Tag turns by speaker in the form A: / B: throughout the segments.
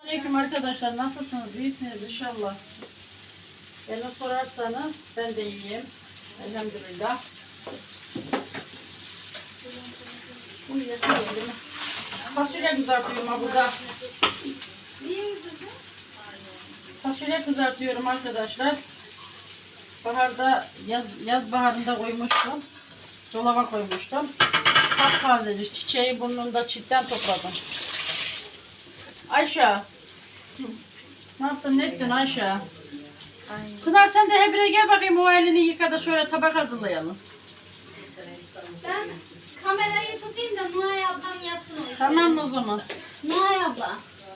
A: Aleyküm arkadaşlar, nasılsınız? İyisiniz inşallah. Beni sorarsanız ben de iyiyim. Elhamdülillah. Bunu yatırıyorum. Fasulye kızartıyorum ha burada. Fasulye kızartıyorum arkadaşlar. Baharda, yaz baharında koymuştum. Dolaba koymuştum. Taptaze çiçeği burnunda çitten topladım. Ayşe. Ne yaptın, ne ettin Ayşe? Ay. Pınar sen de Hebire gel bakayım, o elini yıka da şöyle tabak hazırlayalım.
B: Ben kamerayı tutayım da Nuhay ablam yapsın o işi.
A: Tamam o zaman.
B: Nuhay abla.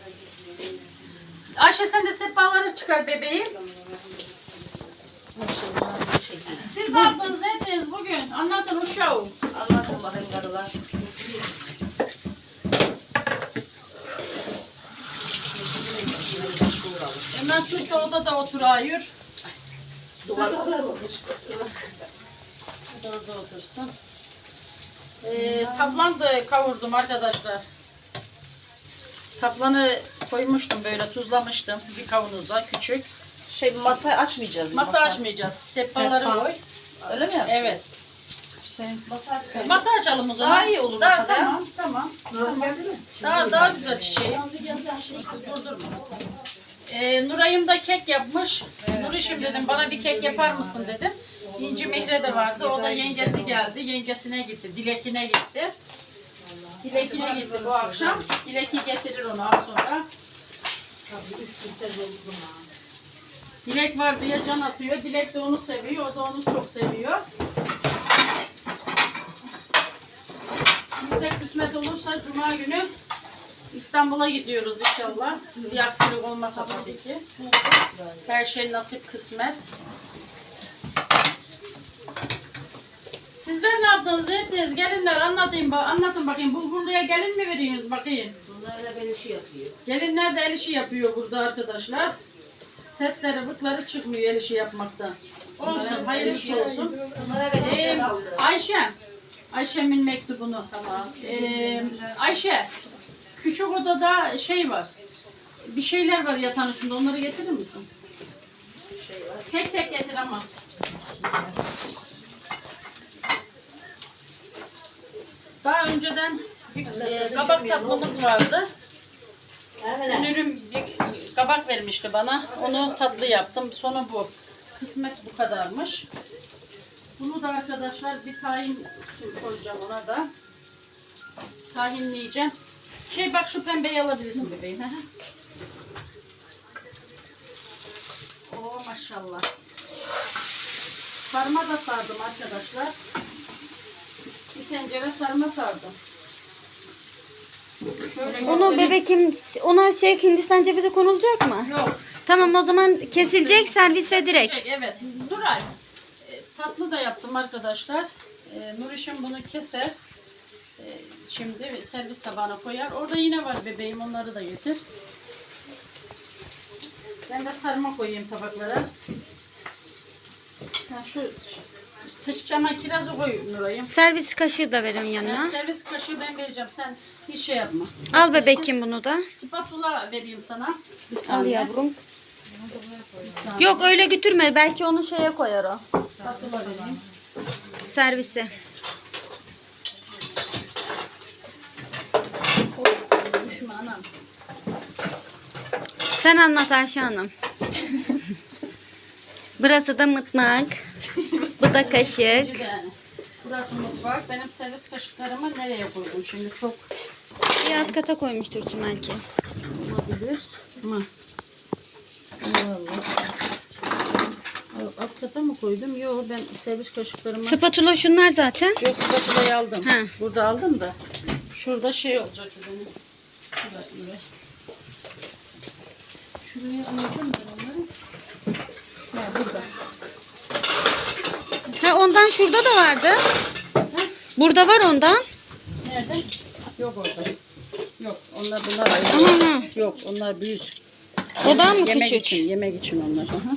A: Ayşe sen de sehpaları çıkar bebeğim. Siz ne yaptınız, ne ettiniz bugün? Anlatın uşağım.
C: Anlatın bakayım karılar.
A: Hemen tut da odada otur ayır. Orada otursun. Kaplan da kavurdum arkadaşlar. Kaplanı koymuştum böyle, tuzlamıştım bir kavanoza küçük.
C: Masa açmayacağız.
A: Masa açmayacağız. Sehpaları koy.
C: Öyle mi?
A: Evet.
C: Masa açmayacağız.
A: Masa açalım o zaman.
C: Daha iyi olur masada ya.
A: Tamam. Daha güzel çiçeği. Durdurma. Nuray'ım da kek yapmış. Nurişim dedim, bana bir kek yapar mısın dedim. İnci Mihre de vardı. O da yengesi geldi. Yengesine gitti. Dilek'ine gitti. Dilek'ine gitti bu akşam. Dilek'i getirir onu az sonra. Dilek var diye can atıyor. Dilek de onu seviyor. O da onu çok seviyor. Bize kısmet olursa Cuma günü İstanbul'a gidiyoruz inşallah. Bir aksilik olmasa tabii ki. Her şey nasip, kısmet. Sizler ne yaptınız, ettiniz? Gelinler anlatın bakayım. Bulgurluya gelin mi veriyorsunuz bakayım?
C: Bunlar da el işi yapıyor.
A: Gelinler de el işi yapıyor burada arkadaşlar. Sesleri, vıkları çıkmıyor el işi yapmaktan. Olsun, hayırlısı olsun.
C: Bunlara ben işe kaldı.
A: Ayşe'min mektubunu.
C: Tamam.
A: Ayşe, küçük odada şey var. Bir şeyler var yatağın üstünde. Onları getirir misin? Tek tek getir ama. Daha önceden bir kabak tatlımız vardı. Dünürüm bir kabak vermişti bana. Onu tatlı yaptım. Sonu bu. Kısmet bu kadarmış. Bunu da arkadaşlar bir tahin koyacağım ona da. Tahinleyeceğim. Bak şu pembeyi alabilirsin bebeğim. Oo maşallah. Sarma da sardım arkadaşlar. Bir tencere sarma sardım. Şöyle
B: Onu bebekim, ona Hindistan cevizi konulacak mı?
A: Yok.
B: Tamam o zaman kesilecek servise direkt.
A: Evet. Nuray. Tatlı da yaptım arkadaşlar. Nurişim bunu keser. Şimdi servis tabağına koyar. Orada yine var bebeğim. Onları da getir. Ben de sarma koyayım tabaklara. Şu çama kirazı koy Nuray'ım.
B: Servis kaşığı da verin yanına.
A: Servis kaşığı ben vereceğim. Sen hiç şey yapma.
B: Al bebekim bunu da.
A: Spatula vereyim sana. Bir
B: Al
A: saniye.
B: yavrum. Yok öyle götürme. Belki onu şeye koyar o.
A: Spatula vereyim.
B: Servise.
A: Düşme anam.
B: Sen anlat Ayşe Hanım. Burası da mutfak. Bu da kaşık.
A: Yani. Burası mutfak. Benim servis kaşıklarımı nereye koydum şimdi? Çok
B: Bir alt kata koymuştur belki.
A: olabilir. Ama Allah. Alt kata mı koydum? Yok, ben servis kaşıklarımı...
B: Spatula şunlar zaten.
A: Yok, spatulayı aldım.
B: Ha.
A: Burada aldım da. Şurada şey olacak benim. Şuraya aldım ben onları. Ha, burada.
B: Ha ondan şurada da vardı. Burada var ondan.
A: Nerede? Yok orada. Yok, bunlar ayrı.
B: Aha.
A: Yok, onlar büyük.
B: Odan mı
A: Yemek
B: küçük?
A: için, yemek için onlar. Aha.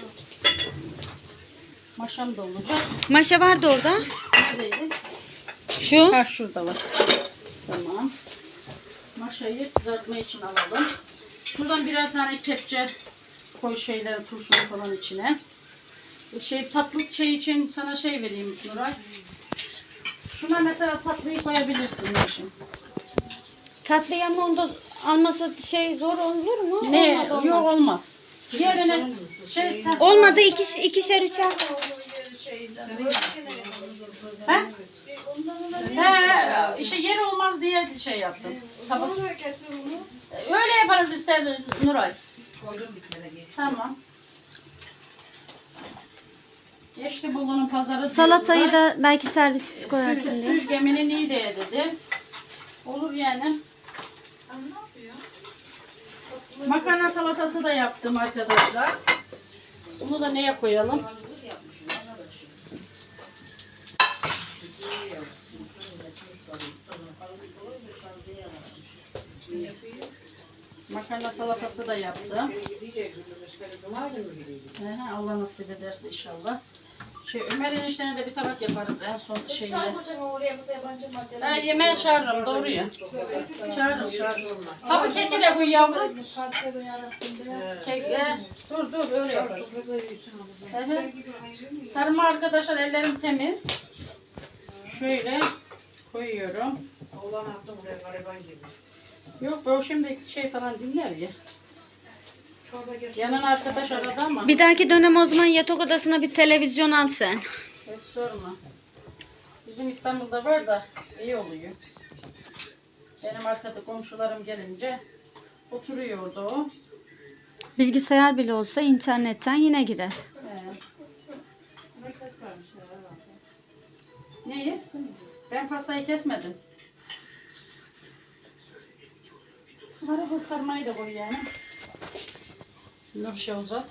A: Maşam da olacak.
B: Maşa vardı orada.
A: Neredeydi?
B: Şu.
A: Ha, şurada var. Tamam. Maşayı kızartma için alalım. Şuradan birer tane kepçe koy şeyleri, turşunu falan içine. Tatlı şey için sana şey vereyim Nuray. Şuna mesela tatlıyı koyabilirsin Nurşin.
B: Tatlı ama onda almasa zor olur mu?
A: Ne?
B: Olmadı, olmaz.
A: Yok olmaz. Diğerine sen...
B: Olmadı ikişer üçer.
A: He? He, işte yer olmaz diye şey yaptım. Tamam. Öyle yaparız ister Nuray. Tamam. Geçti bulunun pazarı.
B: Salatayı
A: diyorlar.
B: da belki servis koyarsın diye.
A: Sürgeminin iyi de dedi. Olur yani. Makarna salatası da yaptım arkadaşlar. Bunu da neye koyalım? Makarna salatası da yaptım. Allah nasip ederse inşallah. Ömer eniştene de bir tabak yaparız en son şeyinde. Yemeğe çağırırım doğru ya. Çağırırım. Tabii keki de koy yavrum. Kek, dur öyle yaparız. Sarma arkadaşlar ellerim temiz. Şöyle koyuyorum. Yok o şimdi falan dinler ya. Yanan arkadaş aradı ama.
B: Bir dahaki dönem o zaman yatak odasına bir televizyon al sen.
A: Hiç sorma. Bizim İstanbul'da var da iyi oluyor. Benim arkada komşularım gelince oturuyor orada o.
B: Bilgisayar bile olsa internetten yine girer.
A: Neyi? Ben pastayı kesmedim. Bu sarmayı da koy yani. Nurşe uzat.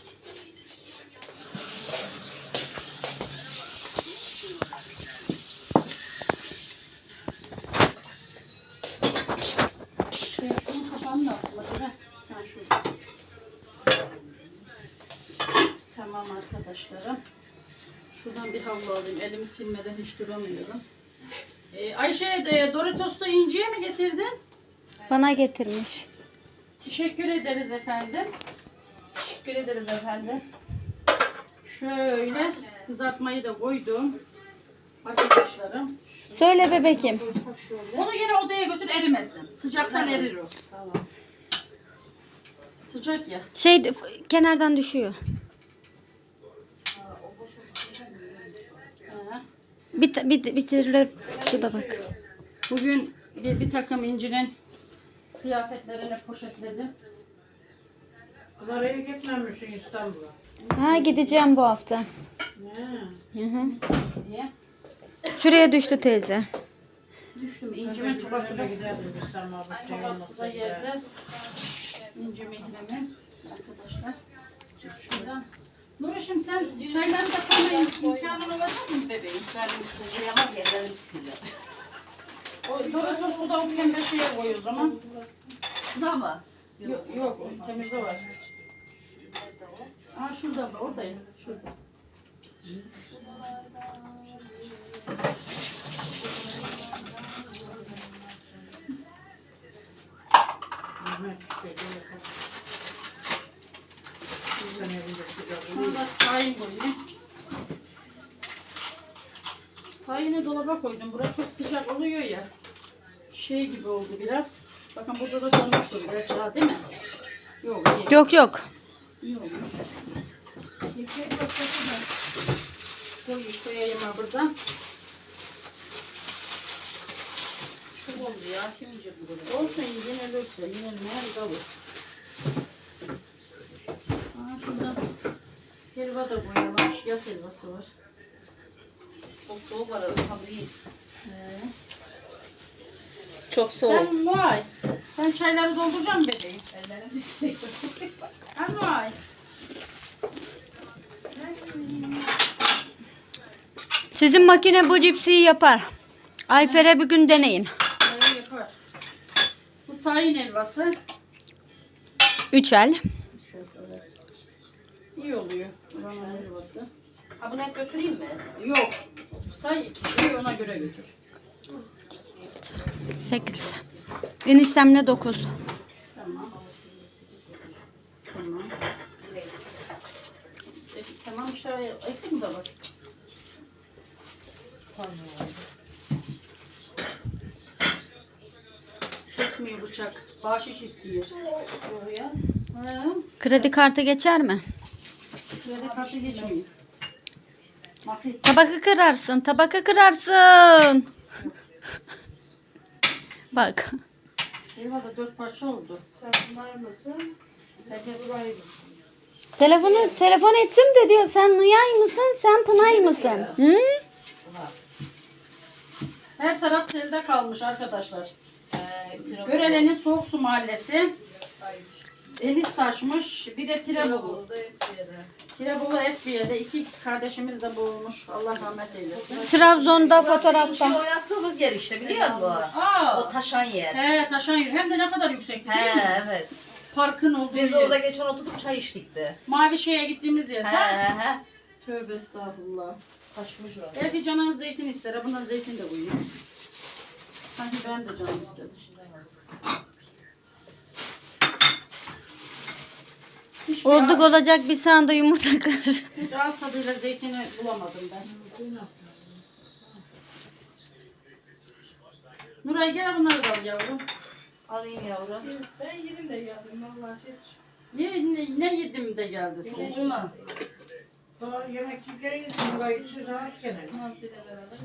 A: Şunun kapağını da atma. Şurada. Tamam arkadaşlarım. Şuradan bir havlu alayım. Elimi silmeden hiç duramıyorum. Ayşe Doritos'ta inciye mi getirdin?
B: Bana getirmiş.
A: Teşekkür ederiz efendim.
C: Teşekkür ederiz efendim.
A: Şöyle kızartmayı da koydum. Arkadaşlarım.
B: Söyle bebekim.
A: Onu yine odaya götür erimesin. Sıcaktan erir o.
C: Tamam.
A: Sıcak ya.
B: Kenardan düşüyor.
A: Ha.
B: Bitirilir. Şurada bak.
A: Bugün bir takım incinin kıyafetlerini poşetledim.
D: Oraya gitmemişsin İstanbul'a.
B: Ha gideceğim bu hafta.
D: Ne?
B: Hı hı.
A: Diye.
B: Şuraya düştü teyze.
A: Düştüm. İncimin tubası da
D: Giderdim İstanbul'a. Bu şey
A: tubası da
D: olmasa
A: yerde. İnci mihrimin arkadaşlar. Şuradan. Nurişim sen çayları da koyma imkanın olacak mı bebeğim?
C: Ben sıcayamaz yerlerim sıcak.
A: O Doritos'u da o pembe şeye koy o zaman.
C: Şuna mı?
A: Yok o temizde var. Aa şurada var, oradayım. Şurada. Şurada tahin koyayım. Tahini dolaba koydum. Burası çok sıcak oluyor ya. Şey gibi oldu biraz. Bakın burada da donmuştur gerçi ha, değil mi? Yok iyi.
B: Yok.
A: İyi olmuş. Koyayım ha buradan. Çok oldu ya. Kim yiyecek bu böyle? Olsun yine ölürse. Yine ne kalır. Şurada helva da koyalım. Yaz helvası var.
C: Çok soğuk var. Tabii iyi.
B: Çok soğuk.
A: Sen çayları dolduracak mısın bebeğim?
C: Ellerim
A: Vay.
B: Sizin makine bu cipsiyi yapar. Ayfer'e bir gün deneyin.
A: Yapar. Bu tahin helvası.
B: 3 el.
A: İyi oluyor. Buranın helvası.
C: Ha bunu hep götüreyim mi?
A: Yok. Say kişiyi ona göre götür.
B: 8. Eniştemle 9.
A: Tamam. Eksik mi tabak? Kesmiyor bıçak. Bahşiş istiyor. Ha,
B: Kredi kartı geçer mi?
A: kredi kartı geçmiyor. Mahit.
B: Tabakı kırarsın, tabakı kırarsın. Bak.
A: Eyvallah 4 parça oldu.
D: Sen bunlar mısın?
A: Herkes
B: Telefon ettim de diyor sen Nuyay mısın sen Pınay mısın? Hı?
A: her taraf selde kalmış arkadaşlar. Görelenin Soğuk Su Mahallesi. Deniz taşmış. Bir de Tirebolu. Tirebolu Esbiye'de iki kardeşimiz de boğulmuş. Allah rahmet eylesin.
B: Trabzon'da
C: Burası
B: fotoğrafta.
C: oynattığımız yer işte biliyor musun?
A: Aa,
C: O taşan yer.
A: he taşan yürü. Hem de ne kadar yüksekti değil mi?
C: He evet.
A: Parkın olduğu
C: Biz
A: yer.
C: orada geçen oturduk çay içtik de.
A: Mavi şeye gittiğimiz yer.
C: He he.
A: Tövbe estağfurullah.
C: Taşmış orası.
A: Belki canın zeytin ister. Bundan zeytin de koyuyor. Sanki ben de canım istedim. Hiçbir
B: Olduk olacak bir sanda yumurta kır.
A: Hiç ağız tadıyla zeytini bulamadım ben. Nuray gel bunları da al yavrum.
C: Alayım yavrum.
E: Ben yedim de geldim vallahi.
A: Ne yedim de geldi sen.
C: Oldu mu?
D: Sonra yemek yiyeceğiniz burayı siz az gene.
E: Nazlı'yla beraber.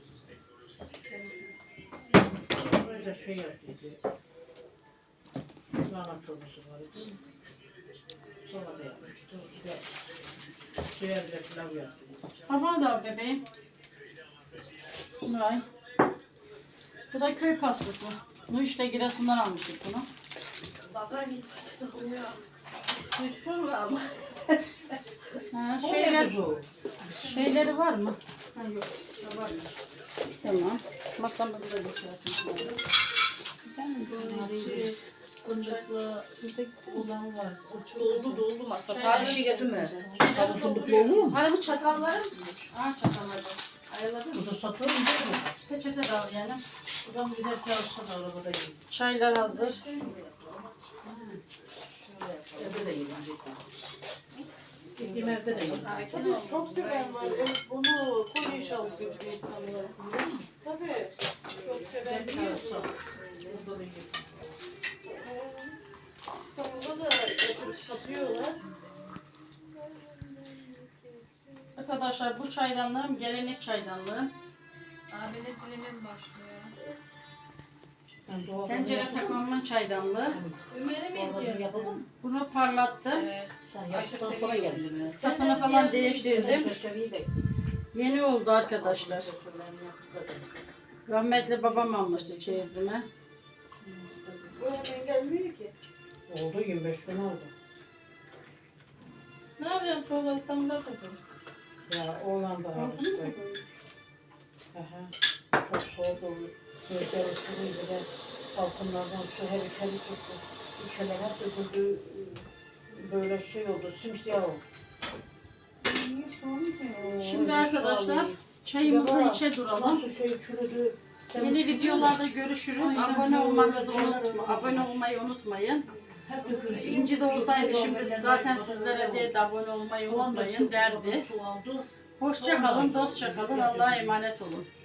D: Böyle şey yapıyordu. Lahana çorbası var değil mi? Sonra da yapmıştı. Bir de ciğerle pilav yaptı.
A: Bana da al bebeğim. Nuray. Bu da köy pastası. Bu işte Giresun'dan almıştık bunu.
E: Pazar gitti.
C: Düşsün mü ama?
A: Ha,
D: Bu.
A: şeyleri var mı? Ha, yok. Ha, var mı? Tamam. Masamızı da geçersin.
E: Boncukla olan var.
C: Doldu masa. Daha bir şey getirme.
D: Tabii fındıklı olur mu?
C: Hani bu çatalların
A: Aa çatalları.
C: ayarladın mı?
D: Bu da satıyor mu değil mi?
A: Peçete de al yani.
D: Buradan giderse alsa da arabada yiyin.
A: Çaylar hazır.
D: Evde de yiyin. Gittiğim evde de yiyin.
E: Çok seven var. Evet, bunu koyu inşallah götürüyor insanlar. Tabii. Çok seven biliyor musun?
D: Burada da yiyin.
E: İstanbul'da da götürüp satıyorlar.
A: Arkadaşlar bu çaydanlığım gelenek çaydanlığı.
E: Abinin filmin başlıyor.
D: Ben doğal
A: Tencere takmamın çaydanlığı.
E: Ömer'e mi izliyorsun?
D: yapalım.
A: Bunu parlattım.
E: Evet.
D: Sen yaptıktan sonra geldin.
A: Sapını falan değiştirdim.
D: Çerçeveyi de.
A: Yeni oldu arkadaşlar. Rahmetli babam almıştı çeyizime.
E: Bu hemen gelmiyor ki.
D: Oldu 25 gün oldu.
E: Ne yapıyorsun? Soğukla İstanbul'da takıl.
D: Ya oğlan da aldı. Aha. Çok soğuk oldu. Gözleri ısırıydı da balkonlardan su her içeri çıktı. İçeri hep döküldü. Böyle şey oldu, simsiyah oldu.
A: Şimdi arkadaşlar çayımızı içe duralım.
D: Nasıl şey çürüdü.
A: Yeni videolarda görüşürüz. Abone olmanızı abone olmayı unutmayın.
D: Hep döküldü.
A: İnci de olsaydı şimdi zaten sizlere de abone olmayı unutmayın derdi. Hoşça kalın, dostça kalın. Allah'a emanet olun.